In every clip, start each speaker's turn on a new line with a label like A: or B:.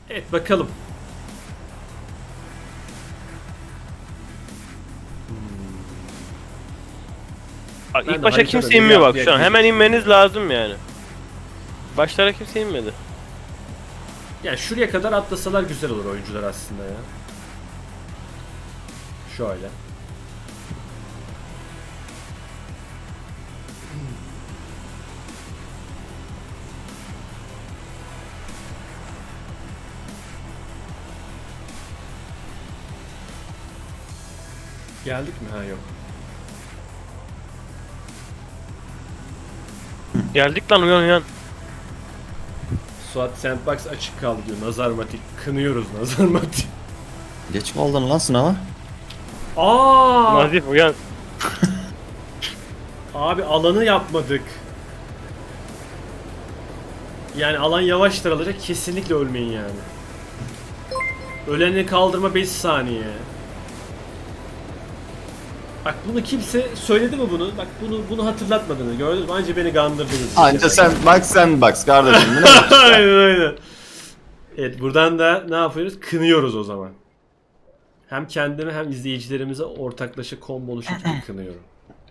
A: Evet bakalım.
B: Bak,
A: Ben
B: ilk
A: de
B: başa
A: haritada
B: kimse
A: bir
B: inmiyor bak
A: yapmaya
B: şu an. Hemen
A: gideceğim.
B: inmeniz lazım yani. Başlara kimse inmedi.
A: Yani şuraya kadar atlasalar güzel olur oyuncular aslında ya. Şöyle. Geldik mi? Ha yok.
B: Geldik lan, uyan uyan.
A: Suat Sandbox açık kaldı diyor. Nazar matik. Kınıyoruz nazar matik.
C: Geç kaldın lan sınava.
A: Aa!
B: Nazif uyan.
A: Abi alanı yapmadık. Yani alan yavaş daralacak. Kesinlikle ölmeyin yani. Öleni kaldırma 5 saniye. Bak bunu kimse söyledi mi bunu? Bak bunu hatırlatmadığını gördün mü? Anca beni kandırdınız.
C: Anca sen bak kardeşim. Bu ne?
A: Aynen aynen. Evet buradan da ne yapıyoruz? Kınıyoruz o zaman. Hem kendime hem izleyicilerimize ortaklaşa combo şekilde kınıyorum.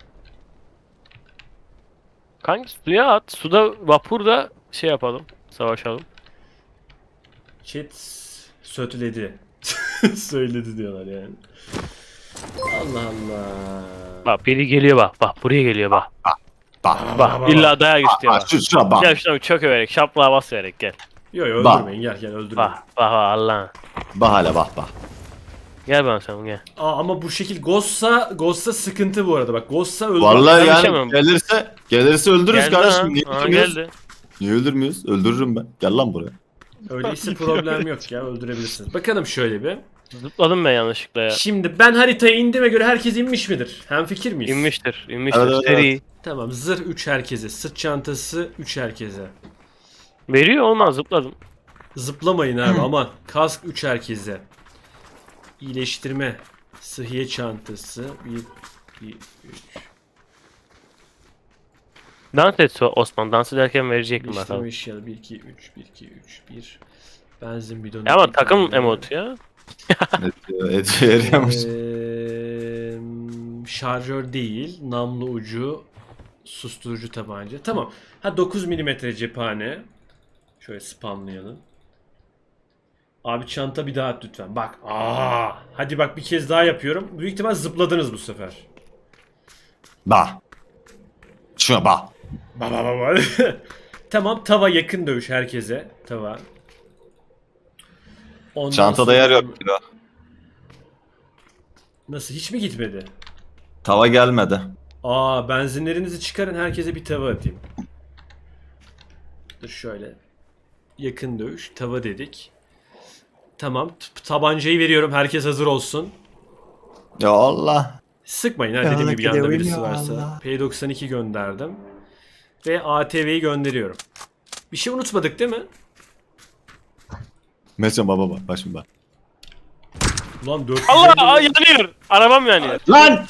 B: Kanka suya at. Suda, vapurda şey yapalım. Savaşalım.
A: Chat söyledi. Söyledi diyorlar yani. Allah Allah.
B: Bak biri geliyor bak. Bak buraya geliyor bak.
C: Bak.
B: Bak illa dayak istiyor bak.
C: Şuna bak.
B: Gel şuna bir çök överek. Şaplığa bas vererek gel.
A: Yo yo
C: Bak.
A: öldürmeyin gel öldürmeyin.
B: Bak Allah'ın.
C: Bak hele bak.
B: Gel bana sen gel.
A: Aa, ama bu şekil Ghost'sa sıkıntı bu arada bak Ghost'sa öldürmeyin.
C: Vallahi
B: Ben
C: yani
B: düşemem.
C: gelirse öldürürüz
B: Geldi
C: kardeşim.
B: ha.
C: Niye
B: Aa,
C: öldürmüyoruz?
B: geldi.
C: Niye öldürmüyoruz? Öldürürüm ben. Gel lan buraya.
A: Öyleyse problem yok ya öldürebilirsiniz. Bakalım şöyle bir.
B: Zıpladım ben yanlışlıkla ya.
A: Şimdi ben haritaya indiğime göre herkes inmiş midir? Hemfikir miyiz?
B: İnmiştir. İnmiştir.
C: Evet, evet,
B: Seri.
A: Tamam zırh 3 herkese, sırt çantası 3 herkese.
B: Veriyor olmaz, zıpladım.
A: Zıplamayın abi aman. Kask 3 herkese. İyileştirme. Sıhhiye çantası 1, 2, 3.
B: Dans et Osman. Dans ederken verecektim
A: İyileştirme
B: bakalım.
A: eşyaları 1, 2, 3, 1, 2, 3, 1. Benzin bidonu.
B: Ya ama
A: bir
B: takım
A: tane.
B: emotu ya.
C: Ediyor eriyormuş.
A: Şarjör değil. Namlu ucu. Susturucu tabanca. Tamam. Ha 9 milimetre cephane. Şöyle spamlayalım. Abi çanta bir daha at lütfen. Bak. Hadi bak bir kez daha yapıyorum. Büyük ihtimal zıpladınız bu sefer.
C: Bak. Şuna bak.
A: Baba. Tamam tava yakın dövüş herkese. Tava. Ondan
C: Çantada
A: sonra-
C: yer yok kilo.
A: Nasıl hiç mi gitmedi?
C: Tava gelmedi.
A: Benzinlerinizi çıkarın herkese bir tava atayım. Dur şöyle. Yakın dövüş. Tava dedik. Tamam. Tabancayı veriyorum. Herkes hazır olsun.
C: Ya Allah.
A: Sıkmayın ha
C: Ya
A: dediğim gibi yanında
C: gidelim
A: birisi
C: ya
A: varsa.
C: Allah.
A: P92 gönderdim. Ve ATV'yi gönderiyorum. Bir şey unutmadık değil mi?
C: Mesela baba bak şimdi bak.
A: Ulan 450
B: Allah yanıyor. Arabam yanıyor.
C: Lan!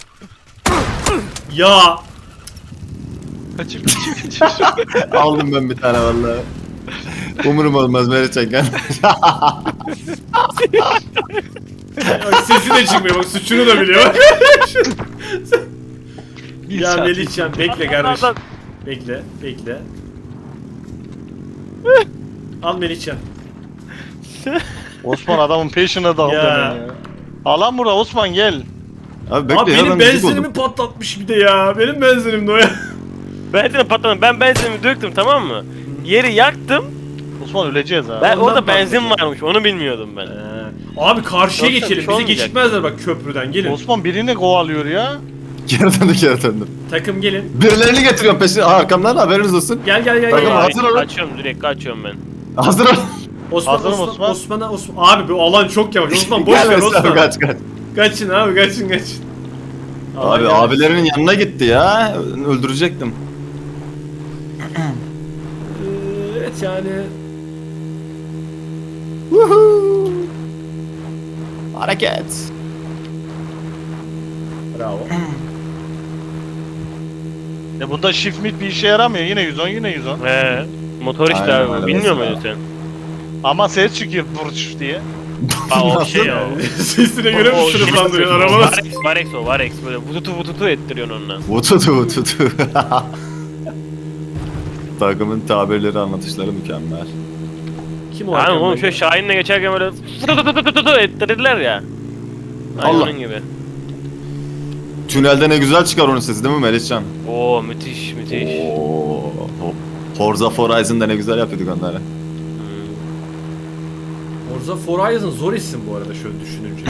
A: Ya
D: Kaçır.
C: Aldım ben bir tane vallahi. Umurum olmaz Meriç'e gel.
A: Bak sesi de çıkmıyor bak suçunu da biliyor. Ya Melihcan bekle kardeşim. Bekle. Al Melihcan.
D: Osman adamın peşine daldı
A: Ya.
D: hemen ya. Alan burada Osman gel.
C: Abi bekle
A: Abi
C: ya
A: benim
C: ben müzik
A: benzinimi
C: oldum.
A: patlatmış bir de ya. Benim benzinim de o ya.
B: Benzin patladı. Ben benzinimi döktüm, tamam mı? Yeri yaktım.
D: Osman öleceğiz ha.
B: Ben
A: Ondan
B: orada benzin
A: patladı.
B: varmış. Onu bilmiyordum ben.
A: Abi karşıya
B: Yoksa bir
A: geçelim.
B: şey
A: Bizi
B: olmayacak.
A: geçirtmezler bak köprüden. Gelin.
D: Osman birini kovalıyor ya.
C: Geri döndüm.
A: Takım gelin.
C: Birilerini getiriyorum peşine. Arkamdan haberiniz olsun.
A: Gel.
C: Takım
B: Ay,
C: hazır olun.
B: kaçıyorum, direkt kaçıyorum ben.
C: Hazır ol.
D: Hazırım Osman.
A: Osman. Abi bu alan çok yavaş. Osman boş
C: Gel
A: ver
C: Mesut abi,
A: Osman.
C: kaç.
A: Kaçın abi kaçın. Alan
C: Abi
A: yavaş.
C: abilerinin yanına gitti ya. Öldürecektim.
A: Evet yani.
C: Woohoo! Hareket.
A: Bravo.
D: Bunda shift mid bir işe yaramıyor. Yine 110 yine 110.
B: Motor işte
C: Aynen
B: abi.
C: öyle
B: Bilmiyor
C: mesela.
B: muydun sen?
D: Ama ses çıkıyor burç diye.
B: Aa o şey ya.
A: Sesine göre mi
B: O
A: sınıflandırıyorsun arabalar?
B: Varex o Varex böyle vututu ettiriyorsun onunla.
C: Vututu. Takımın tabirleri, anlatışları mükemmel.
A: Kim o
B: Yani
A: arkamda?
B: oğlum şöyle Şahin'le geçerken böyle vututu ettirdiler ya. Aynı
C: Allah.
B: onun gibi.
C: Tünelde ne güzel çıkar onun sesi değil mi Melihcan?
B: Oo müthiş müthiş.
C: Oo. Forza Horizon'da ne güzel yapıyorduk onları.
A: Forza Horizon zor isim bu arada şöyle düşününce.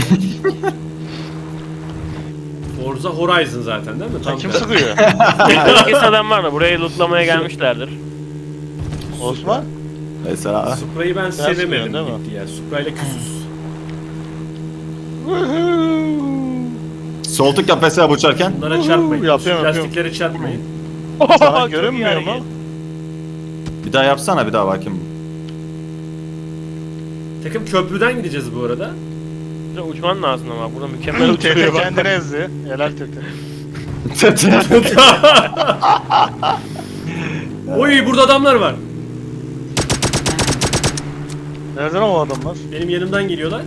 A: Forza Horizon zaten değil mi? Tam
D: Kim
A: tersi.
D: sıkıyor?
B: Herkes adam var da burayı lootlamaya gelmişlerdir.
D: Osman?
C: Mesela
A: Supra'yı ben
D: sıkıyorsun,
A: sevemedim
D: değil mi?
A: gitti ya. Supra'yla küsüz.
C: sol tık yap mesela uçarken.
A: Bunlara çarpmayın.
D: Yapıyorum,
A: Lastiklere çarpmayın.
D: Sana
B: Çok
D: görünmüyor
B: iyi
D: mu?
B: hareket.
C: Bir daha yapsana, bir daha bakayım.
A: Takım köprüden gideceğiz bu arada.
B: Burada uçman lazım ama burada mükemmel
D: Tete
B: uçuruyor bak.
D: kendini ezdi. Helal Tete.
A: Oy burada adamlar var.
D: Nereden o adamlar?
A: Benim yanımdan geliyorlar.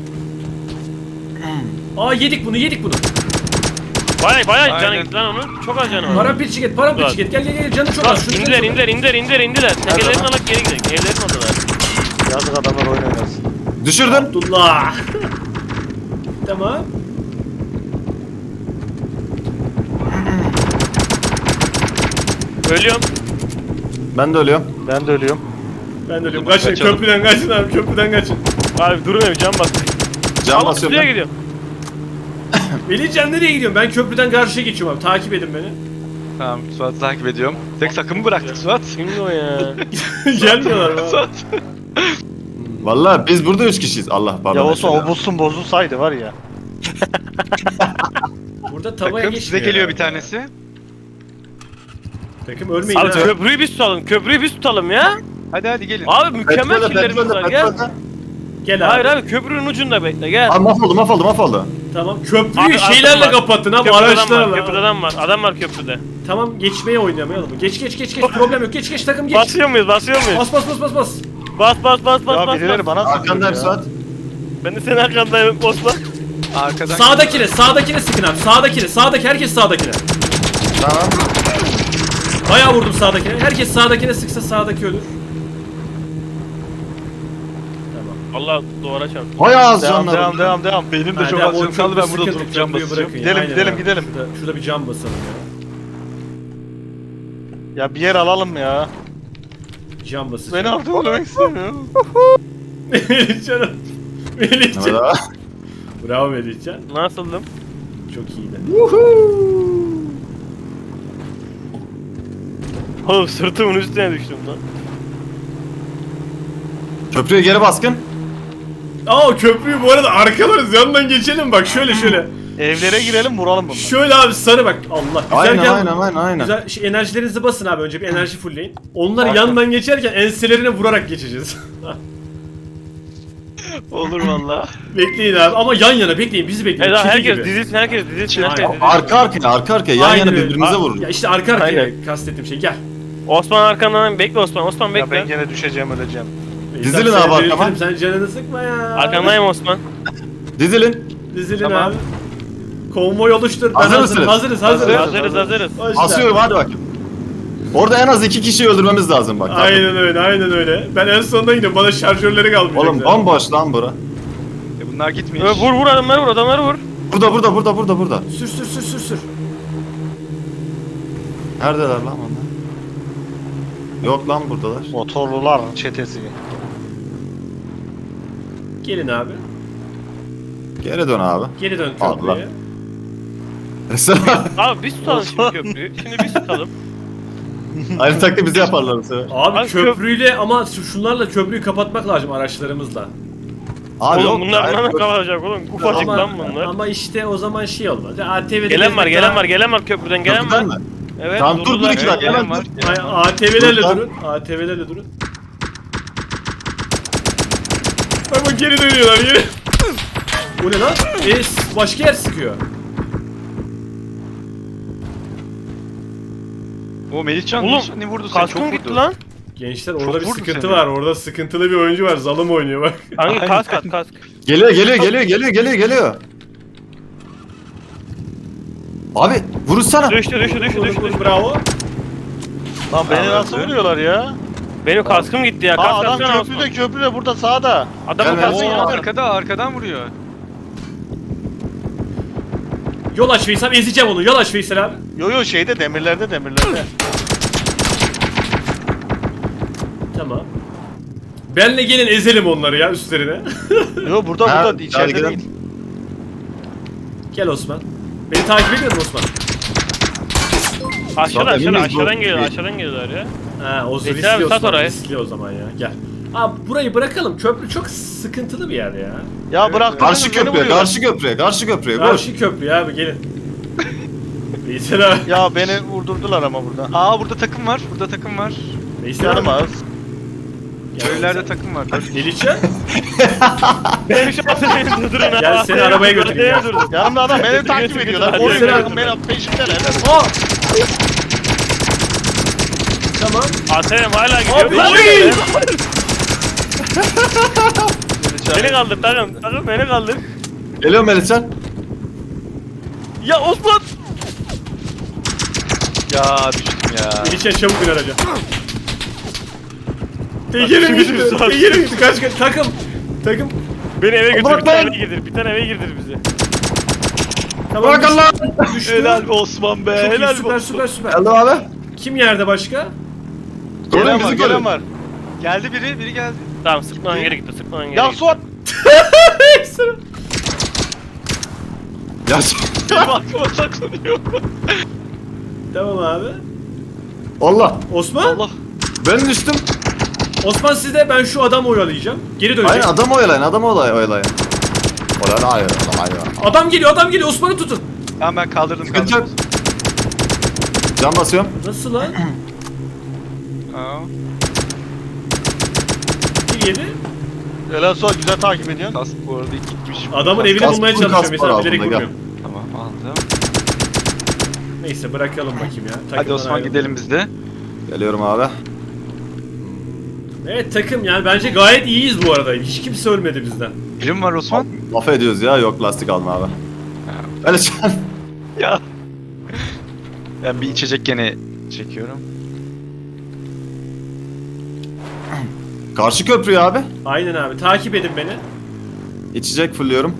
A: Aa yedik bunu.
B: Bayağı canı
E: Aynen.
B: gitti lan onun. Çok az canı var.
A: Parampil çiket. Gel canı çok az. Şunu
B: İndiler. Tekelerini alıp geri gidelim. Evlerin oradalar.
D: Yazık adamlar oyun oynasın.
C: Düşürdüm.
A: Abdullah. Tamam.
B: Ölüyorum.
C: Ben de ölüyorum.
D: Ben de ölüyorum.
A: Ben de öyleyim. Kaçın
E: Kaçalım.
A: köprüden kaçın abi köprüden kaçın.
B: Abi durmuyorum can bastı.
C: Can
B: Ama
C: basıyorum
B: suya
C: ben.
B: gidiyorum.
A: Melihcan nereye gidiyorsun? Ben köprüden karşıya geçiyorum abi. Takip edin beni.
E: Tamam Suat'ı takip ediyorum. Tek takımı bıraktık Suat.
B: Kimdi o ya?
A: Gelmiyorlar mı?
E: Suat.
C: Vallahi biz burada 3 kişiyiz. Allah pardon.
D: Ya Osman
C: Eşhedü.
D: o bulsun bozulsaydı var ya.
A: Burada tavaya
E: Takım
A: geçmiyor.
E: size geliyor bir
A: abi.
E: tanesi.
A: Takım ölmeyin
B: Abi
A: ha.
B: köprüyü biz tutalım. Köprüyü biz tutalım ya.
E: Hadi gelin.
B: Abi mükemmel
C: Petrolde,
B: killerimiz var gel.
C: petrolde.
A: Gel abi.
B: Hayır abi köprünün ucunda bekle gel.
C: Aa, mahvoldu.
A: Tamam köprüyü
B: Abi,
A: şeylerle
B: adam var.
A: kapatın abi
B: Köprüde adam var.
A: araçlarla.
B: Köprüde adam var. Adam var köprüde.
A: Tamam geçmeye oynamayalım. Geç problem yok. Geç takım geç.
B: Basıyor muyuz?
A: Bas.
D: Ya birileri bana
C: Arkandayım
D: sıkıyor ya.
C: Suat.
B: Ben de senin arkandayım Osman.
E: Arkadan
A: Sağdakine sıkın abi. Sağdaki herkes sağdakine.
C: Tamam.
A: Bayağı vurdum sağdakine. Herkes sağdakine sıksa sağdaki ölür. Tamam.
B: Allah duvara çarptı.
C: Hay ağız
D: Devam
C: canlarım.
D: devam. Benim de
A: Ha,
D: çok
A: devam,
D: az
A: o
D: canım kaldı, ben burada
A: sıkıntı,
D: durup cam
A: köprüyü
D: basacağım.
A: bırakın ya.
D: Gidelim
A: Aynen
D: gidelim
A: abi.
D: gidelim.
A: Şurada bir cam basalım ya.
D: Ya bir yer alalım ya.
A: Cam basacağım.
D: Beni artık oynamak istemiyorum.
A: Melihcan. Melihcan.
C: Evet abi.
A: Bravo Melihcan.
B: Nasıldım?
A: Çok iyiydi.
B: Oğlum sırtımın üstüne düştüm lan.
C: Köprüye geri baskın.
A: Aa köprüyü bu arada arkalarız. Yandan geçelim bak şöyle.
D: Evlere girelim vuralım bunları.
A: Şöyle abi sarı bak. Allah.
C: Aynen.
A: Güzel enerjilerinizi basın abi önce bir enerji fullleyin. Onları
D: Bak.
A: yandan geçerken enselerine vurarak geçeceğiz.
E: olur valla.
A: Bekleyin abi ama yan yana bekleyin bizi bekleyin.
B: Evet
A: Kedi
B: herkes
A: gibi.
B: dizilsin herkes dizilsin herkes
A: Aynen.
B: dizilsin.
C: Arka arkaya yan
A: Aynen
C: yana
A: öyle.
C: birbirimize
A: Ya
C: vururuz.
A: işte arka arkaya
B: Aynen.
A: kastettiğim şey gel.
B: Osman arkandan bekle Osman
D: Ya
B: bekle.
D: ben gene düşeceğim öleceğim.
C: Dizilin
A: Seni
C: abi arkama.
A: belirtirim, sen canını sıkma ya.
B: Arkandayım Osman.
C: Dizilin.
A: Dizilin
B: Tamam.
A: abi. Konvoy oluştur. Ben
C: Hazır
A: hazırım.
C: mısınız?
B: Hazırız.
A: Başla.
C: Asıyorum hadi bakayım. Orada en az 2 kişiyi öldürmemiz lazım bak.
A: Aynen öyle. Ben en sonunda gidiyorum. Bana şarjörleri kalmayacak.
C: Oğlum bomboş lan bura.
E: Bunlar gitmiş.
B: Vur adamları vur.
C: Burada.
A: Sür.
C: Neredeler lan onlar? Yok lan buradalar.
D: Motorlular çetesi.
A: Gelin abi.
C: Geri dön abi.
A: Geri dön
C: Allah.
A: köprüye.
B: Abi biz tutalım şimdi köprüyü. Şimdi biz tutalım.
C: Aynı taktiği bize yaparlar bu sefer.
A: Abi
B: Abi
A: köprüyle ama şunlarla köprüyü kapatmak lazım araçlarımızla.
C: Abi
B: Oğlum
C: yok.
B: bunlar
C: hayır,
B: ne
C: yok.
B: kapatacak oğlum? Ufacık lan bunlar.
A: Ama işte o zaman şey olmaz. ATV'de
B: Gelen var köprüden gelen
C: Köprüden
B: var.
C: mi?
B: Evet.
C: Tamam, dur,
B: durdular.
C: iki dakika.
E: Gelen var.
A: ATV'lerle
C: Dur lan.
A: durun. ATV'lerle durun. Bak geri dönüyorlar geri. Bu ne lan? Başka yer sıkıyor.
E: O Melihcan
B: Oğlum,
E: ne vurdu seni? Çok
B: Kaskım gitti
E: vurdu.
B: lan.
A: Gençler orada
E: Çok
A: bir
E: vurdu
A: sıkıntı
E: seni.
A: var. Orada sıkıntılı bir oyuncu var. Zalım oynuyor bak.
B: Hangi kask at kask.
C: Geliyor. Abi vurursana.
B: Düştü.
A: Bravo.
D: Lan beni
E: Tamam,
D: nasıl
E: öldü.
D: vuruyorlar ya?
B: Benim kaskım gitti ya.
D: Aa
B: Kask
D: adam
B: atsana Osman.
D: köprüde burada sağda.
B: Adamın
C: Gelme.
B: kaskı
E: Oo,
B: yandı.
E: arkadan vuruyor.
A: Yol aç Veysel. Ezeceğim onu. Yol aç Veysel abi.
D: Yo şeyde demirlerde.
A: Tamam. Benle gelin ezelim onları ya üstlerine.
D: Yo burada
C: Ha,
D: içeride
C: gidelim.
D: değil.
A: Gel Osman. Beni takip ediyor musun Osman?
B: Aşağıdan
C: Emin miyiz bu?
B: aşağıdan geliyorlar ya.
A: Ha o
B: Veysel
A: riskli
B: abi, sat
A: Osman.
B: orayı.
A: Riskli o zaman ya. Gel. Abi burayı bırakalım. Köprü çok sıkıntılı bir yer ya.
D: Ya bırak.
C: Karşı köprüye. Vur.
A: Karşı köprü abi gelin. Veysel abi.
D: Ya beni vurdurdular ama burada.
E: Aa burada takım var.
A: Veysel
D: Canım
A: abi.
D: az.
E: Köylerde takım var.
A: Melihcan.
B: Benim şu atı beni durdurun ha.
A: Gel seni arabaya götüreyim, gel.
D: Yanımda adam beni takip
B: Götür,
D: ediyorlar.
B: götür,
D: Oraya
A: götür.
D: bırakın beni peşimdeler.
A: Aa! Tamam.
B: ATM hala gidiyor.
A: Abi,
B: Beni
A: oy!
B: Beni kaldır takım beni kaldır.
C: Geliyor Melihcan.
B: Ya Osman.
E: Ya düştüm ya.
A: Melihcan çabuk bin araca. Tekerim gitti. Tekerim gitti. Kaç. Takım.
B: Beni eve götür.
C: Bırak
B: Bir tane
C: lan.
B: eve girdir. Bir tane eve girdir bizi.
A: Tamam.
C: Bırak Allah.
A: Düştü.
E: Helal be Osman be.
A: Çok iyi,
E: Helal
A: süper
E: be.
A: süper.
C: Geldim abi.
A: Kim yerde başka?
C: Koruyun bizi
D: Gelen
C: koruyun.
D: var.
E: Geldi biri geldi.
B: Tamam sıkmadan geri gitti. Sıkmadan geri
D: Ya
B: gitti.
D: Suat.
C: Ya
E: Benim aklıma saklanıyor.
A: Tamam abi.
C: Allah.
A: Osman?
E: Allah.
C: Ben düştüm.
A: Osman sizde, ben şu adamı oyalayacağım. Geri dönecek.
C: Aynen adamı oyalayın. Oyalayın.
A: Adam geliyor. Osman'ı tutun.
E: Tamam ben kaldırdım.
C: Sıkıntı yok. Can basıyorum.
A: Nasıl lan?
E: Aa,
A: Bir yedi.
D: Helal Suat güzel takip ediyorsun.
E: kask bu arada gitmiş.
A: Adamın evini
C: Kask-
A: bulmaya
C: kask
A: çalışıyorum.
C: var
A: Mesela
C: altında,
A: bilerek
C: gel.
A: vurmuyorum.
E: Tamam aldım.
A: Neyse bırakalım bakayım ya.
E: Hadi
A: Takımdan
E: Osman
A: ayrıldım.
E: gidelim biz de.
C: Geliyorum abi.
A: Evet takım, yani bence gayet iyiyiz bu arada. Hiç kimse ölmedi bizden.
E: Birim var Osman.
C: Laf ediyoruz ya. Yok lastik alma abi. Melihcan.
E: Ya. Ben bir içecek gene çekiyorum.
C: Karşı köprüye abi.
A: Aynen abi, takip edin beni.
C: İçecek fulluyorum.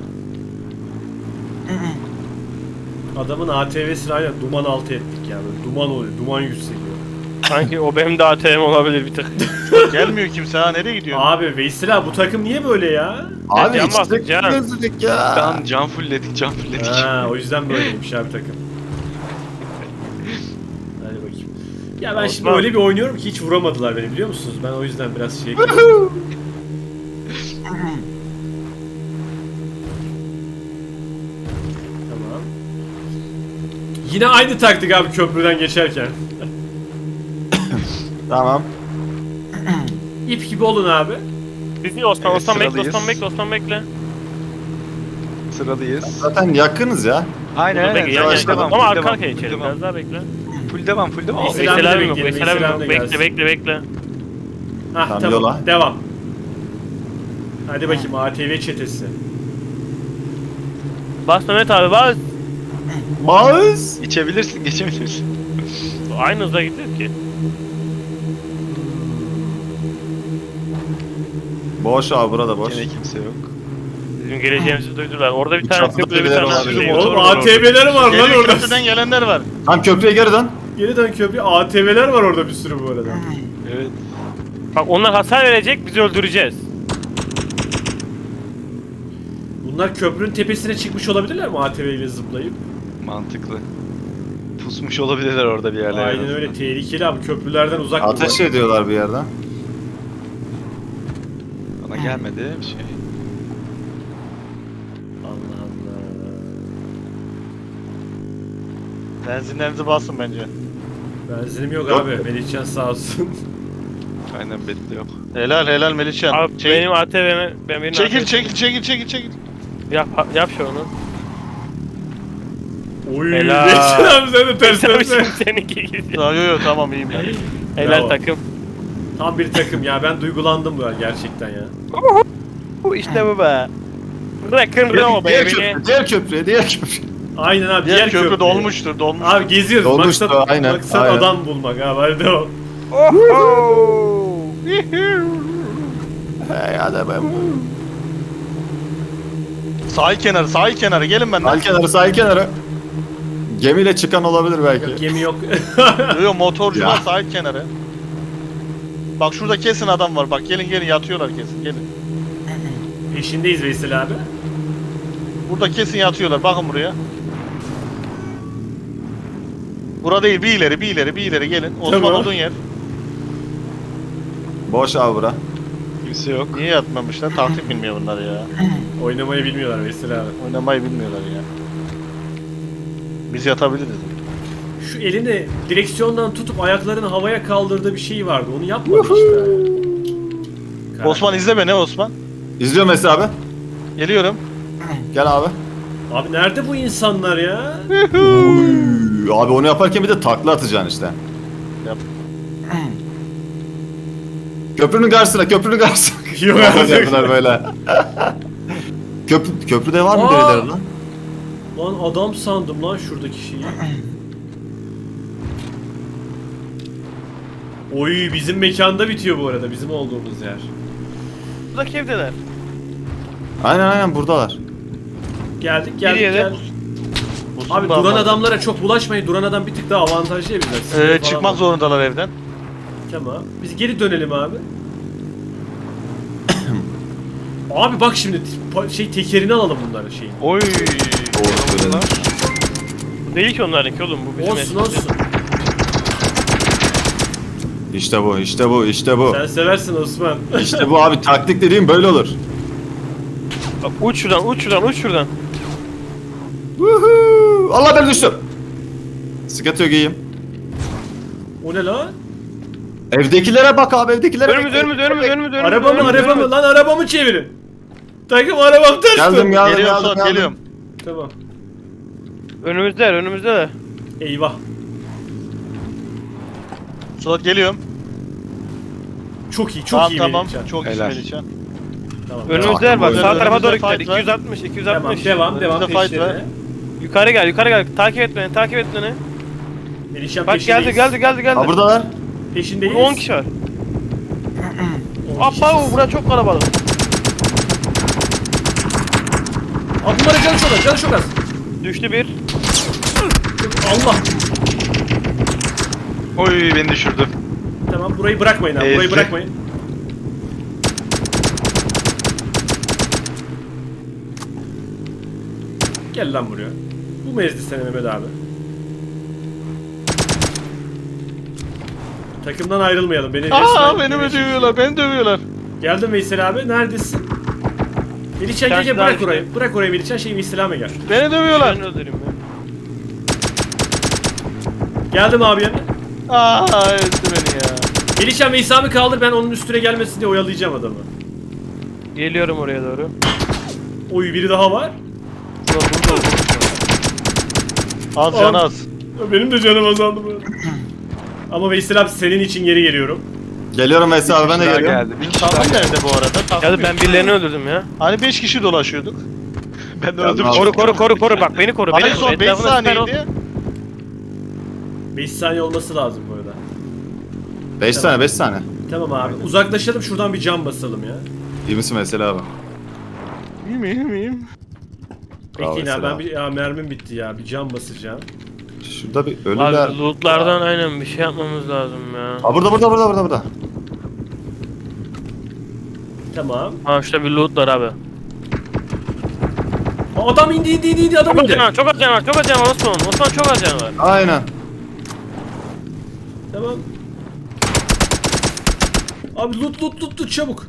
A: Adamın ATV'sini aynen duman altı ettik ya. Böyle duman oluyor, duman yükseliyor.
B: Sanki o benim de ATM olabilir bir tık.
D: Gelmiyor kimse ha nereye gidiyor?
A: Abi Veysel abi, bu takım niye böyle ya?
C: Abi
B: can
C: içecek
B: bastık, can.
C: gözlük ya.
E: Can fullledik.
A: Ha, o yüzden böyleymiş abi takım. Hadi bakayım. Ya ben şimdi
B: Osman.
A: öyle bir oynuyorum ki hiç vuramadılar beni, biliyor musunuz? Ben o yüzden biraz şey... Tamam. Yine aynı taktik abi köprüden geçerken.
C: Tamam.
A: İp gibi olun abi.
B: Biz niye Osman?
E: Evet,
B: Osman bekle,
E: sıralıyız.
B: Osman bekle.
E: Sıradayız.
C: Zaten yakınız ya.
E: Aynen
B: Dur, bekle,
E: aynen.
B: yan
C: Yavaş
B: yana.
C: devam,
B: Ama
E: full
B: arka
E: devam,
B: arkaya
E: full
B: içelim.
E: devam.
B: Biraz daha bekle.
E: Full devam full devam.
A: Veysel abi de
B: Veysel abi yok.
A: bekleyelim,
B: Veysel abi
A: Veysel
B: yok.
A: abi de
B: Bekle
A: gelsin.
B: bekle.
A: Hah
C: Tamam,
A: tamam,
C: yola.
A: devam. Hadi bakayım ATV çetesi.
B: Bas Mehmet abi bas.
C: Bağız.
E: İçebilirsin geçebilirsin.
B: Aynı hızda gidiyor ki.
C: Boş abi burada boş.
E: Gene kimse yok.
B: Bizim geleceğimizi duydular. Orada bir
C: Bir
B: tane
C: çaplı
B: köprüde bir
C: birileri
B: tane
C: var.
B: şey
A: Oğlum
B: var.
A: ATV'ler var lan
D: Geliyor
A: orada.
D: köprüden gelenler var.
C: Tam köprüye geri dön.
A: Geri dön köprü. ATV'ler var orada bir sürü bu arada.
E: Evet.
B: Bak onlar hasar verecek, bizi öldüreceğiz.
A: Bunlar köprünün tepesine çıkmış olabilirler mi ATV ile zıplayıp?
E: Mantıklı. Pusmuş olabilirler orada bir yerlerde.
A: Aynen öyle, tehlikeli abi, köprülerden uzak
C: Ateş
A: durmak.
C: ediyorlar bir yerden.
E: Bana gelmedi bir şey.
A: Allah Allah.
D: Benzinlerinizi basın bence.
A: Benzinim yok
C: Yok.
A: abi. Melihcan sağ olsun.
E: Aynen belli yok.
D: Helal Melihcan.
B: Abi benim ATV'me... Ben benim
D: Çekil
B: ATV'me
D: çekil.
B: Yap şu onu.
A: Oy.
B: Helal.
A: Melihcan abi sen de ters
B: Tabii
A: ters.
B: şimdi seninki gidiyor.
D: Yo tamam iyiyim ben.
B: Helal
A: Bravo.
B: takım.
A: Tam bir takım ya. Ben duygulandım bu gerçekten ya.
B: İşte bu be. Rock'n'roll
C: Diğer
B: baby.
C: köprü, diğer köprüye, diğer köprü.
A: Aynen abi.
D: Diğer köprü
A: köprü.
D: dolmuştur, dolmuştur.
A: Abi geziyoruz.
C: Dolmuştu,
A: Maksat,
C: aynen,
A: maksat
C: aynen.
A: adam bulmak abi. Hadi devam.
B: Oho!
C: Hey hadi be.
D: Sahil kenarı, sahil kenarı. Gelin benden.
C: Sahil kenarı, sahil kenarı. Gemiyle çıkan olabilir belki.
A: Gemi yok.
D: Yok motorcu
C: Ya.
D: var sahil kenarı. Bak şurada kesin adam var. Bak gelin gelin yatıyorlar kesin. Gelin.
A: Peşindeyiz Veysel abi.
D: Burada kesin yatıyorlar. Bakın buraya. Bura değil, bir ileri, bir ileri, bir ileri gelin. Osman
A: Tamam.
D: olduğun yer.
C: Boş abi bura.
E: Kimse yok.
D: Niye yatmamışlar? Taktik bilmiyor bunlar ya.
A: Oynamayı bilmiyorlar Veysel abi.
D: Oynamayı bilmiyorlar ya. Biz yatabiliriz.
A: Şu elini direksiyondan tutup ayaklarını havaya kaldırdığı bir şey vardı. Onu yapmadı işte.
D: Osman izle beni Osman.
C: İzliyor Mesut abi.
D: Geliyorum.
C: Gel abi.
A: Abi nerede bu insanlar ya?
C: Uy, abi onu yaparken bir de takla atacaksın işte.
D: Yap.
C: Köprünün karşısına, köprünün karşısına.
A: Yok artık.
C: Yaptılar böyle. Köprüde var mı
A: Aa!
C: birileri lan?
A: Lan adam sandım lan şuradaki şeyi. Oy bizim mekanda bitiyor bu arada. Bizim olduğumuz yer.
B: Buradaki evdeler.
C: Aynen buradalar.
A: Geldik
B: Geriye de.
A: geldik.
D: Osman
A: Abi
D: da
A: duran
D: almadı.
A: adamlara çok bulaşmayın. Duran adam bir tık daha avantajlı ya bizden. Sinir falan
D: Çıkmak
A: var.
D: zorundalar evden.
A: Tamam. Biz geri dönelim abi. Abi bak şimdi tekerini alalım bunları şeyin.
B: Oy.
C: Doğru söyledin.
B: Bu değil ki onlarınki oğlum bu bizim
A: Olsun
B: eski.
A: olsun.
C: İşte bu, işte bu, işte bu.
A: Sen seversin Osman.
C: İşte bu abi, taktik dediğim böyle olur.
B: Bak, uç şuradan uç şuradan uç şuradan.
C: Woohoo! Allah ben düştüm. Sıkıntı yok, iyiyim.
A: O ne lan?
C: Evdekilere bak abi, evdekilere.
B: Önümüz önümüz önümüz önümüz önümüz.
A: Araba mı
B: önümüz,
A: araba mı?
B: önümüz.
A: Lan arabamı çevirin. Takım arabam ters
C: Geldim,
A: dön.
C: geldim,
D: Geliyorum
C: geldim,
D: Suat
C: geldim.
D: geliyorum.
A: Tamam.
B: Önümüzdeler önümüzdeler.
A: Eyvah.
D: Suat geliyorum.
A: Çok iyi çok
D: Tamam
A: iyi
D: tamam.
A: Melihcan.
D: Çok iyi
E: Helal.
D: Melihcan.
A: Tamam.
B: Önümüzdeler bak
C: Önümüzde
B: sağ tarafa doğru
D: fight
B: gider.
D: var.
B: 260
A: Tamam
B: 260.
A: devam
D: Önümüzde fight
A: peşlerine.
D: var.
B: Yukarı gel takip et beni takip et beni.
A: Melihcan
B: Bak
A: peşindeyiz.
B: geldi.
C: Ha buradalar.
A: Peşindeyiz.
B: Burada 10 kişi var.
A: 10 kişi.
B: Abba bura çok kalabalık.
A: Abi bunlara canı çok az.
B: Düştü bir.
A: Allah.
E: Oy beni düşürdü.
A: Tamam burayı bırakmayın abi. Burayı
E: Ezdi.
A: bırakmayın. Gel lan buraya. Bu mu ezdi seni Mehmet abi? Takımdan ayrılmayalım. Beni
D: Aa
A: resmen-
D: beni mi dövüyorlar? Beni dövüyorlar.
A: Geldim Veysel abi. Neredesin? Melihcan
B: Sen
A: gel
B: daha
A: bırak
B: işte.
A: orayı. Bırak orayı Melihcan. Veysel abi gel.
D: Beni dövüyorlar.
B: Ben öldüreyim ya.
A: Geldim abi yanına.
D: Aa ezdi beni ya.
A: Melihcan Veysel abi kaldır. Ben onun üstüne gelmesin diye oyalayacağım adamı.
B: Geliyorum oraya doğru.
A: Oy biri daha var.
D: Az
A: Aa.
D: can az.
A: Benim de canım azaldı bu arada. Ama Veysel abi senin için geri geliyorum.
C: Geliyorum Mesut abi, ben de
E: Daha
C: geliyorum.
E: geldi. Bir kişi daha
D: Takım
E: geldi.
D: nerede bu arada? Takım
B: Ya
D: yok.
B: ben birilerini öldürdüm ya.
D: Hani 5 kişi dolaşıyorduk.
E: Ben de
C: Ya,
E: öldüm.
C: abi.
B: Koru bak beni koru.
D: Hani
B: Beni
D: son
B: koru.
D: 5
B: Etrafına süper ol.
D: saniyeydi.
A: 5 saniye olması lazım bu arada.
C: 5 tane, 5 tane.
A: Tamam abi. Uzaklaşalım şuradan bir cam basalım ya.
C: İyi misin mesela abi?
D: İyiyim.
C: Bravo
A: Bekleyin abi
C: Veysel
A: ben ya mermim bitti ya. Bir cam basacağım.
C: Şurada bir ölüler.
B: Abi lootlardan aynen bir şey yapmamız lazım ya.
C: Aa burada.
A: Tamam.
B: Ha şurada bir loot var abi.
A: Aa, adam indi adam
B: Çok az
A: indi.
B: can var çok az can var Osman. Osman çok az can var.
C: Aynen.
A: Tamam. Abi loot çabuk.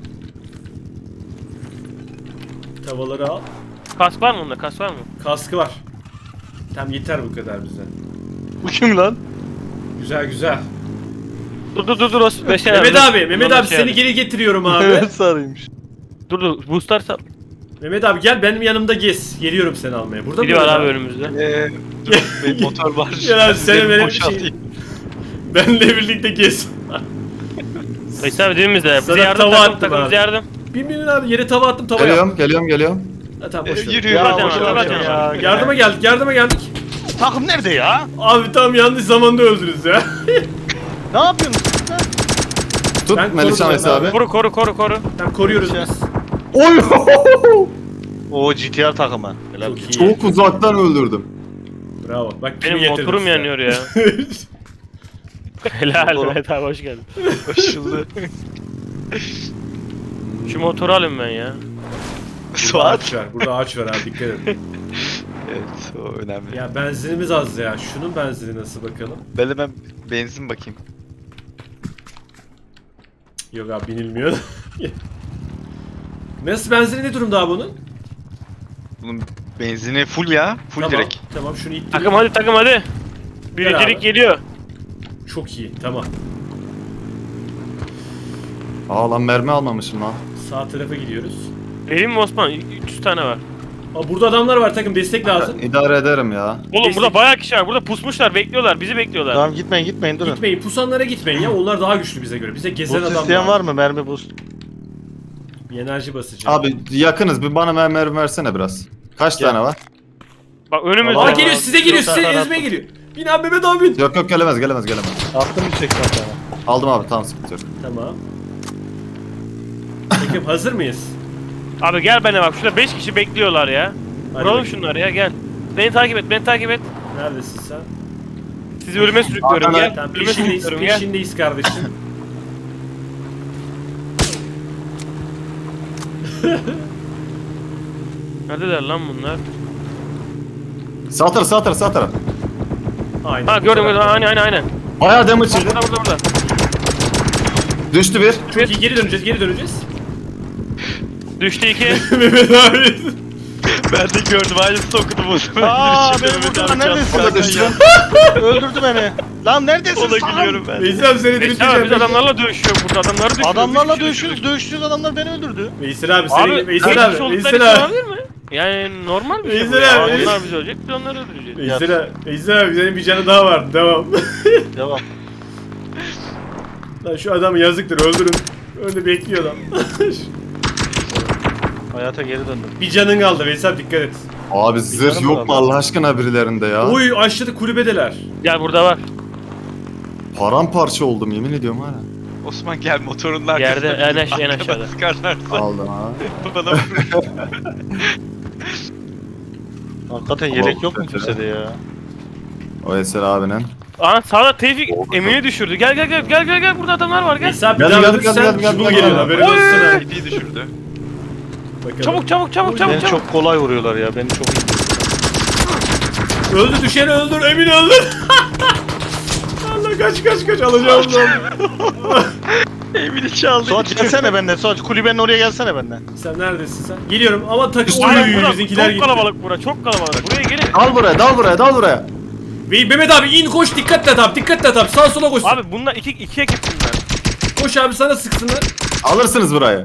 A: Tavaları al.
B: Kas var mı onda kas var mı?
A: Kaskı var. Tamam yeter bu kadar bize.
D: Bu kim lan?
A: Güzel.
B: Dur Osman.
A: Mehmet abi seni geri getiriyorum abi.
D: Evet sarıymış.
B: Dur boostlar sal.
A: Mehmet abi gel benim yanımda gez. Geliyorum seni almaya. Burada
B: Biri
A: mı
B: var
A: öyle
B: abi önümüzde.
E: Dur benim motor var.
A: Ya sen
E: Benim
A: benim
E: boşaltayım.
A: Benle birlikte gez.
B: Veysel abi dibimizde. Bize
A: Sana
B: yardım
A: tava attım
B: takım
A: abi.
B: bize yardım.
A: Bin abi yere tava attım tava yap.
C: Geliyorum.
A: Ha, tamam boş ver.
E: Yürü.
D: Ya
B: Zaten
D: boş
B: var,
D: ver
B: zaten
D: ya.
B: var.
A: Yardıma geldik.
D: Takım nerede ya?
A: Abi tam yanlış zamanda öldünüz ya.
D: Ne yapıyorsun?
C: Tut
A: Ben
C: Melihcan
A: korudum
C: Veysel abi.
B: Koru.
A: Tam koruyoruz
D: Şey.
A: biz.
C: Oy!
D: O GTR takımı. Helal.
A: Çok iyi.
C: Çok uzaktan öldürdüm.
A: Bravo. Bak kimi
B: Benim
A: getirdim
B: motorum
A: size.
B: yanıyor ya. Helal
D: Motorum.
B: Mehmet abi hoş geldin.
E: Koşuldu.
B: Şu motoru alayım ben ya.
A: Burada
E: Suat.
A: ağaç var. Burada ağaç var abi dikkat edin.
E: Evet o önemli.
A: Ya benzinimiz az ya. Şunun benzini nasıl bakalım?
E: Ben hemen benzin bakayım.
A: Yok abi binilmiyor. Nasıl benzini ne durumda abi bunun?
E: Bunun benzini full ya. Full
A: Tamam,
E: direkt.
A: Tamam şunu ittireyim.
B: Takım hadi.
A: Gel
B: Birincilik
A: abi.
B: geliyor.
A: Çok iyi tamam.
C: Aa lan mermi almamışım lan.
A: Sağ tarafa gidiyoruz.
B: Vereyim mi Osman? 300 tane var.
A: Aa, burada adamlar var takım destek lazım.
C: İdare ederim ya.
B: Oğlum
A: Destek-
B: burada bayağı kişi var. Burada pusmuşlar, bekliyorlar. Bizi bekliyorlar.
D: Tamam gitmeyin durun.
A: Gitmeyin pusanlara gitmeyin ya onlar daha güçlü bize göre. Bize gezen
D: Boost
A: adam
D: isteyen var mı? Mermi boost.
A: Bir enerji basacağım.
C: Abi yakınız bir bana mermi versene biraz. Kaç
D: Gel.
C: tane var?
B: Bak önümüzde.
A: Aa
D: Vallahi
A: geliyor size geliyor size
D: Yok,
A: ezmeye geliyor. Bin abi Mehmet abi bin.
C: Yok gelemez.
D: Attım bir çek sana.
C: Aldım abi tamam sıkıntı yok.
A: Tamam. Takım hazır mıyız?
B: Abi gel bana bak. Şurada 5 kişi bekliyorlar ya.
A: Hadi
B: Vuralım
A: bakayım.
B: şunları ya gel. Beni takip et.
A: Neredesin sen?
B: Sizi ölüme sürüklüyorum
C: Arkana-
B: gel.
A: Tamam
B: Ölüme
A: peşindeyiz,
B: sürüklüyorum gel.
A: peşindeyiz kardeşim.
B: Neredeler lan bunlar?
C: Sağ taraf.
A: Aynen.
B: Ha gördüm. Aynen.
C: Bayağı damage yedi.
B: Burada.
C: Düştü bir.
A: Çok iyi geri döneceğiz.
B: Düştü 2.
A: Mehmet abi.
E: Ben de gördüm. Aynısını okudum o zaman.
D: Aa
E: Girişimde
D: ben
E: Mehmet
D: burada
E: abi
D: neredesin?
C: O da düştü.
D: Öldürdü beni. Lan neredesin?
E: Ona
D: sen?
E: gülüyorum ben.
A: Veysel abi seni
B: Veysel abi biz
A: dirilteceğim.
B: adamlarla dövüşüyoruz burada. Adamları düşürüyoruz.
D: Adamlarla
B: Bir kişi
D: dövüşüyoruz. Dövüştüğünüz adamlar beni öldürdü.
A: Veysel abi
B: Abi
A: seni
B: Veysel
A: Veysel abi
B: Veysel
A: Veysel abi.
B: olabilir mi? Yani normal bir şey bu
A: Veysel
B: ya.
A: abi.
B: Onlar bizi ölecek, biz onları öldüreceğiz.
A: Veysel abi senin bir canı daha var. Devam.
D: Devam.
A: Lan şu adam yazıktır öldürün. Öyle bekliyor adam.
D: Hayata geri döndüm.
A: Bir canın kaldı Veysel dikkat et.
C: Abi zırh
D: canım
C: yok
D: var
C: mu Allah aşkına birilerinde ya?
A: Oy aşağıda kulübedeler.
B: Gel burada var.
C: Paramparça oldum yemin ediyorum hala.
E: Osman gel motorun
B: Yerde,
E: arkasında.
B: en aşağıda.
E: Sıkarlarsa
C: Aldım abi.
E: bana vurur.
D: Hakikaten yelek yok mu kimsede ya?
C: O Eser abinin.
B: Aa sağda Tevfik
C: Oldu.
B: Emin'i düşürdü. Gel burada adamlar var gel.
A: Veysel abi bir
C: Gel,
A: daha
C: gel,
A: ölürsen
C: gel, gel,
A: Jubal
C: gel,
A: geliyor
C: gel.
A: haberin olsun ha.
E: İpi düşürdü.
A: Bakalım.
B: Çabuk.
D: Beni çok kolay vuruyorlar ya. Beni çok iyi.
A: Öldü düşeni öldür Emin öldür. Allah kaç alacağım lan.
E: Evini çaldı.
D: Suat gelsene benden. Suat kulübenin oraya gelsene benden.
A: Sen neredesin sen? Geliyorum ama takım
B: Aynen
A: oy
B: bura,
A: bizimkiler
B: çok
A: gitti.
B: kalabalık bura, çok kalabalık. Buraya gelin.
C: Dal buraya.
A: Ve Mehmet abi in koş dikkat et abi sağa sola koş.
B: Abi bunlar iki ekip bunlar.
A: Koş abi sana sıksınlar.
C: Alırsınız burayı.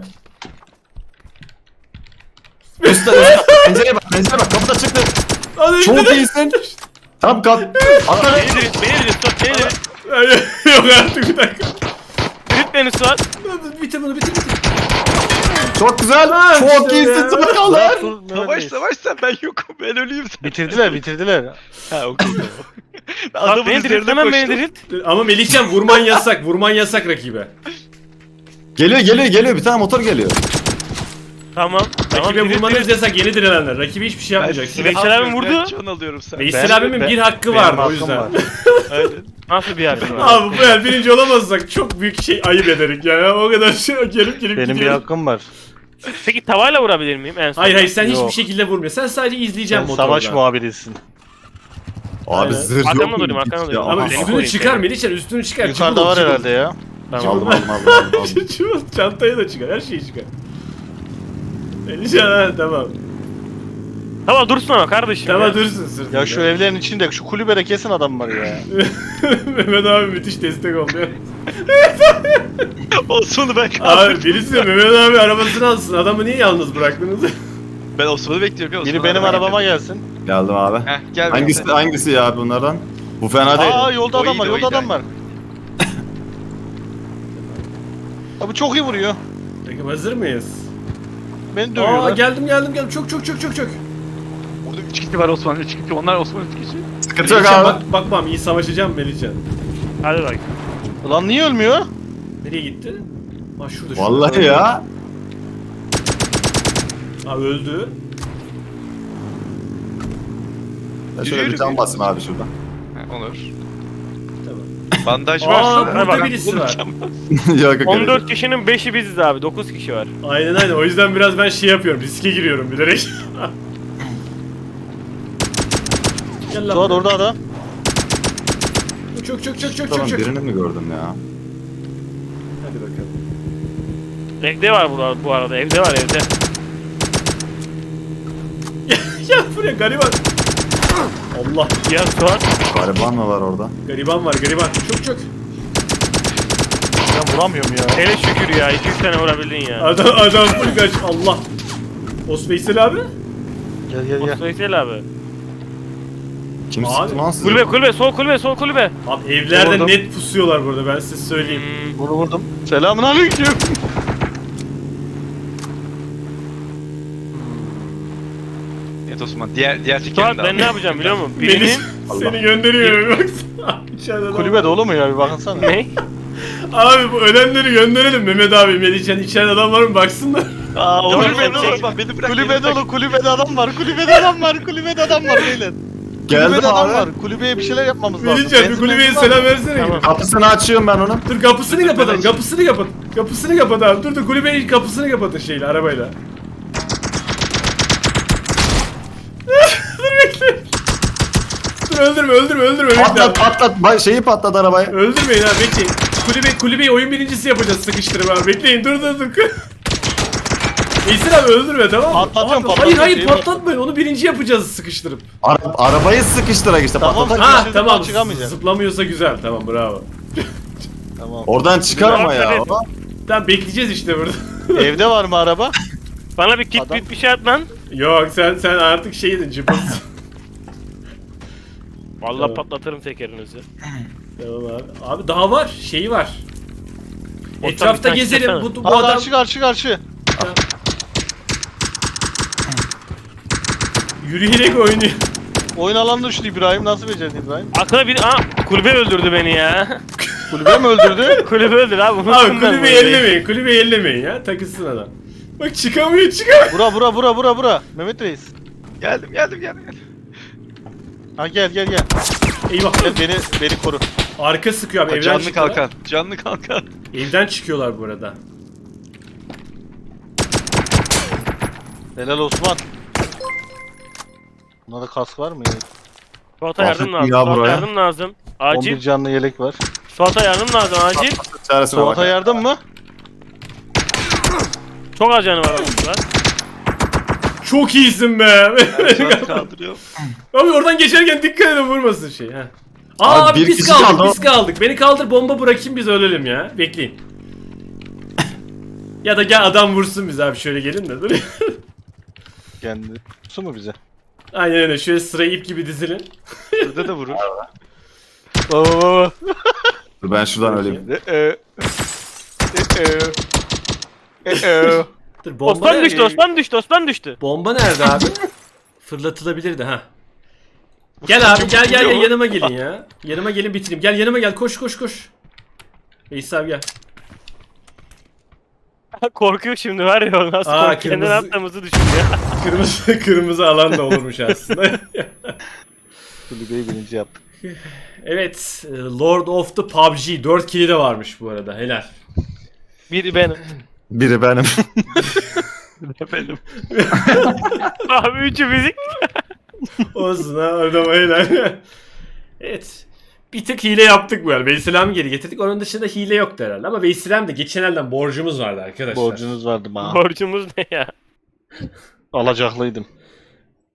C: Üstte. Pencereye bak kapıda çıktı.
A: Hadi
C: Çok
A: gidelim.
C: iyisin. Tam kap. Atla.
B: Beni dirit Suat, beni dirit.
A: Yok artık bir dakika.
B: Dirit beni Suat.
A: Bitir bunu bitir.
C: Çok güzel.
A: Ha,
C: Çok
A: işte
C: iyisin
A: ya.
C: Sakallar.
E: Savaş sen ben yokum ben öleyim sen.
D: Bitirdiler.
E: Ha okey tamam.
B: Suat beni dirit, hemen beni dirit.
A: Ama Melihcan vurman yasak rakibe.
C: Geliyor. Bir tane motor geliyor.
B: Tamam.
A: Rakibe
B: dirit,
A: vurmanız
B: dirit.
A: yasak yeni direnenler. Rakibe hiçbir şey yapmayacaksın.
B: Veysel abi vurdu.
E: Can alıyorum sen.
A: Veysel abimin bir hakkı
D: benim
A: var o
D: hakkım
A: yüzden.
D: var.
E: Aynen.
B: Nasıl bir yer?
A: Abi bu el birinci olamazsak çok büyük şey ayıp ederik yani. O kadar şey gelip
D: Benim bir
A: gidiyoruz.
D: hakkım var.
B: Peki tavayla vurabilir miyim en son?
A: Hayır sen
D: Yok.
A: hiçbir şekilde vurmuyor. Sen sadece izleyeceksin
D: Sen
A: motordan.
D: savaş muhabirisin.
C: Abi
A: Aynen.
C: zırh yok
B: Arkamda
C: mu?
B: durayım, arkamda
C: Ya,
B: durayım.
A: Ama
B: Beni
A: üstünü
B: koruyun
A: çıkar
B: seni.
A: Melihcan üstünü çıkar.
D: Yukarıda var herhalde ya.
B: Tamam.
C: Aldım.
A: Çuval, çantayı da çıkar her şeyi çıkar. Melihcan ha tamam.
B: Tamam dursun ama kardeşim.
A: Tamam
B: ya.
A: dursun sırtında.
D: Ya şu evlerin içinde şu kulübede kesin adam var ya.
A: Mehmet abi müthiş destek oldu ya.
E: Osman'ı ben
A: Abi
E: kaldırdım.
A: birisi de Mehmet abi arabasını alsın. Adamı niye yalnız bıraktınız?
E: Ben Osman'ı bekliyorum ya.
D: Biri
E: Osman
D: benim
E: abi
D: arabama
E: geldi.
D: gelsin.
C: Geldim abi.
E: Heh gel.
C: Hangisi ya bunlardan? Bu fena değil.
D: Aa yolda
E: O
D: adam var,
E: iyiydi, o
D: yolda
E: iyiydi.
D: adam var. Abi çok iyi vuruyor.
A: Peki hazır mıyız?
D: Beni dövüyorlar.
A: Geldim. Çok.
E: Burada 3 kişi var Osman, 3 kişi. Onlar Osman 3 kişi.
C: Sıkıntı yok
A: Melihcan
C: abi.
A: bakmam iyi savaşacağım Melihcan.
B: Hadi bak.
D: Ulan niye ölmüyor?
A: Nereye gitti? Ha şurada.
C: Vallahi ya.
A: Ha öldü.
C: Ya şöyle bir can basayım abi şuradan.
E: Olur.
A: Tamam.
E: Bandaj
A: Aa
E: varsa.
A: burada
B: bak,
A: birisi var.
C: Yok yok.
B: 14 kişinin 5'i biziz abi. 9 kişi var.
A: Aynen o yüzden biraz ben şey yapıyorum riske giriyorum bilerek. Gel lan.
D: Suat orada adam.
A: Çok.
C: Tamam birini mi gördüm ya?
A: Hadi bakalım.
B: Evde var bu arada. Evde var evde.
A: Gel buraya gariban. Allah
B: Ya Suat.
C: Gariban mı var orada?
A: gariban var. Çok.
D: Ben vuramıyorum ya.
B: Hele şükür ya. 2-3 tane vurabildin ya.
A: Adam full kaç Allah. Osveysel abi.
D: Gel.
B: Veysel abi.
C: Kim
A: Abi,
C: sıktı lan sizi?
B: Kulübe sol kulübe.
A: Abi evlerde
D: Orada.
A: net pusuyorlar burada ben size söyleyeyim.
D: Bunu vurdum. Selamun aleyküm.
E: Evet Osman, diğer tekerini
B: Suat
E: de
B: ben
E: al.
B: ne yapacağım biliyor musun?
A: Beni,
B: Birinin...
A: seni gönderiyor baksana. İçeride adam
D: Kulübe
A: var.
D: dolu mu ya bir bakınsana.
B: Ne?
A: Abi bu ölenleri gönderelim Mehmet abi Melihcan içeride adam var mı baksınlar.
D: Aa
B: Tamam,
D: kulübe
B: sen
D: dolu.
B: çek.
E: Osman beni bırak.
D: Kulübe dolu. Kulübede adam var. Kulübede adam var. Kulübede adam var beyler.
C: Geldim
D: Kulübede adam var.
C: abi.
D: Kulübeye bir şeyler yapmamız lazım.
A: Melihcan bir
D: Benzin
A: kulübeye
D: benzin var
A: selam
D: mı?
A: versene.
B: Tamam.
C: Kapısını açıyorum ben onun.
A: Dur kapısını kapatalım
D: Melihcan.
A: kapısını kapat abi dur kulübenin kapısını kapatın şeyle arabayla. Dur bekle. Dur öldürme bekle abi.
C: Patlat. Şeyi patlat arabayı.
A: Öldürmeyin abi bekleyin. Kulübeyi oyun birincisi yapacağız sıkıştırıp abi bekleyin dur. Veysel abi öldürme tamam mı?
D: Patlatıyorum,
A: Abi,
D: patlatıyorum,
A: Hayır
D: şeyi
A: patlatmayın onu birinci yapacağız sıkıştırıp.
C: Arabayı sıkıştırak işte
D: Tamam.
C: patlat.
A: Ha
D: Şimdi
A: tamam
D: çıkamayacağız.
A: zıplamıyorsa güzel tamam bravo.
D: Tamam.
C: Oradan çıkar ama ya.
B: Evet.
A: Tamam bekleyeceğiz işte burada.
D: Evde var mı araba?
B: Bana bir kit
D: Adam-
B: bir şey at lan.
A: Yok sen artık şeydin cıbız.
B: Vallahi
A: Tamam.
B: patlatırım tekerinizi.
A: Tamam abi. Abi daha var şeyi var.
B: Ortam
A: Etrafta
B: bir tane
A: gezelim
B: çıksana.
A: bu
D: Aa,
A: adam
D: karşı.
A: yürüyerek oynuyor.
D: Oyun alanına düştü İbrahim. Nasıl becerdin İbrahim?
B: Aklına bir... Kulübe öldürdü beni ya.
D: Kulübe mi öldürdü?
B: Kulübe öldürdü abi. Unuttum
A: Abi
B: ben
A: kulübeyi
B: bunu.
A: ellemeyin kulübeyi ellemeyin ya takılsın adam. Bak çıkamıyor.
D: Bura. Mehmet Reis.
E: Geldim.
D: Ha gel.
A: Eyvah.
D: Gel beni koru.
A: Arka sıkıyor abi evden
E: Canlı
A: çıkıyorlar.
E: kalkan. Canlı kalkan.
A: Evden çıkıyorlar bu arada.
D: Helal Osman. Bunda da kask var mı ya?
B: Suat'a yardım lazım.
C: ya
B: Suat'a
C: buraya.
B: yardım lazım.
D: 11
B: Acil.
D: canlı yelek var.
B: Suat'a yardım lazım acil.
C: Çaresine bak.
D: Suat'a yardım mı?
B: Çok az canı var oğlum Suat.
A: Çok iyisin be.
E: Suat'ı kaldırıyorum.
A: Abi oradan geçerken dikkat edin vurmasın şey. Ha.
C: Abi
A: Abi
C: bir
A: biz
C: kişi
A: kaldık
C: kaldı.
A: biz kaldık. Beni kaldır bomba bırakayım biz ölelim ya. Bekleyin. Ya da gel adam vursun biz abi şöyle gelin de dur.
D: Kendi. Su mu bize?
A: Aynen öyle şöyle sırayı ip gibi dizilin.
E: Burada da vurur.
D: Baba.
C: Dur ben şuradan öleyim.
A: Dur bomba
B: Osman
A: nerede?
B: düştü Osman düştü.
A: Bomba nerede abi? Fırlatılabilirdi ha. Gel abi gel yanıma gelin ya. Yanıma gelin bitireyim. Gel yanıma gel koş. Veysel abi gel.
B: Korkuyor şimdi var ya o nasıl
A: Aa,
B: korkuyor. Kendini
A: kırmızı-
B: attığımızı düşünüyor.
A: Kırmızı alan da olurmuş aslında.
D: Kulübeyi birinci yaptık.
A: Evet, Lord of the PUBG 4 kili de varmış bu arada. Helal.
B: Biri benim.
C: Biri benim.
E: Benim.
B: Abi üçü fizik.
A: Olsun ha adama helal. Evet. Bir tık hile yaptık bu arada. Veysel'imi geri getirdik. Onun dışında hile yoktu herhalde. Ama Veysel'im de geçen elden borcumuz vardı arkadaşlar.
D: Borcunuz vardı bana.
B: Borcumuz ne ya?
D: Alacaklıydım.